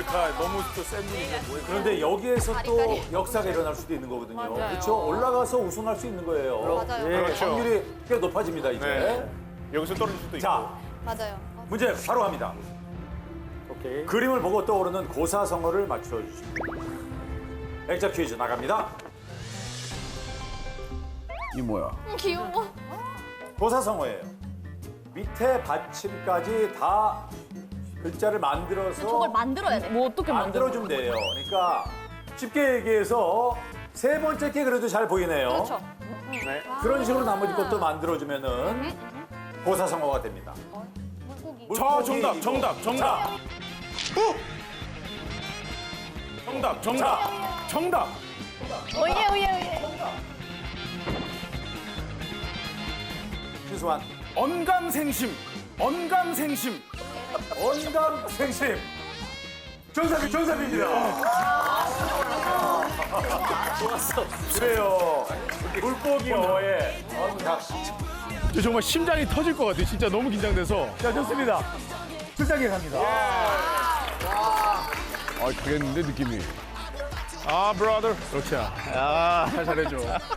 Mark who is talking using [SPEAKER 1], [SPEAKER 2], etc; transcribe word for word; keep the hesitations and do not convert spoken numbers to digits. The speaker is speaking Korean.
[SPEAKER 1] 그러니까 너무 또센 분이죠. 뭐.
[SPEAKER 2] 그런데 여기에서 또 역사가 일어날 수도 있는 거거든요.
[SPEAKER 3] 맞아요.
[SPEAKER 2] 그렇죠? 올라가서 우승할 수 있는 거예요.
[SPEAKER 3] 맞아요.
[SPEAKER 2] 예,
[SPEAKER 1] 그렇죠.
[SPEAKER 2] 확률이 꽤 높아집니다, 이제.
[SPEAKER 1] 네. 여기서 떨어질 수도 있고.
[SPEAKER 2] 자,
[SPEAKER 3] 맞아요.
[SPEAKER 2] 문제 바로 갑니다.
[SPEAKER 4] 오케이.
[SPEAKER 2] 그림을 보고 떠오르는 고사성어를 맞춰주십니다. 액자 퀴즈 나갑니다.
[SPEAKER 1] 이 뭐야?
[SPEAKER 3] 음, 귀여워.
[SPEAKER 2] 고사성어예요. 밑에 받침까지 다 글자를 만들어서
[SPEAKER 3] 저걸 만들어야 돼.
[SPEAKER 5] 뭐 어떻게 만들어?
[SPEAKER 2] 만들어주면 돼요. 그러니까 쉽게 얘기해서 세 번째 게 그래도 잘 보이네요.
[SPEAKER 3] 그렇죠.
[SPEAKER 1] 네.
[SPEAKER 2] 그런 식으로 나머지 것도 만들어주면은 고사성어가 됩니다.
[SPEAKER 3] 물고기.
[SPEAKER 1] 저 정답, 정답, 정답. 후! 정답, 정답, 정답.
[SPEAKER 3] 오예 오예 오예.
[SPEAKER 2] 최소한
[SPEAKER 1] 언감생심, 언감생심.
[SPEAKER 2] 언감생심. 정답이 정답입니다.
[SPEAKER 4] 좋았어.
[SPEAKER 2] 그래요. 물고기 어에 언감.
[SPEAKER 1] 저 정말 심장이 터질 것 같아요. 진짜 너무 긴장돼서.
[SPEAKER 2] 자, 좋습니다. 출장에 갑니다.
[SPEAKER 1] 아, 되겠는데 느낌이. 아, 브라더. 그렇지. 아, 잘 잘해줘.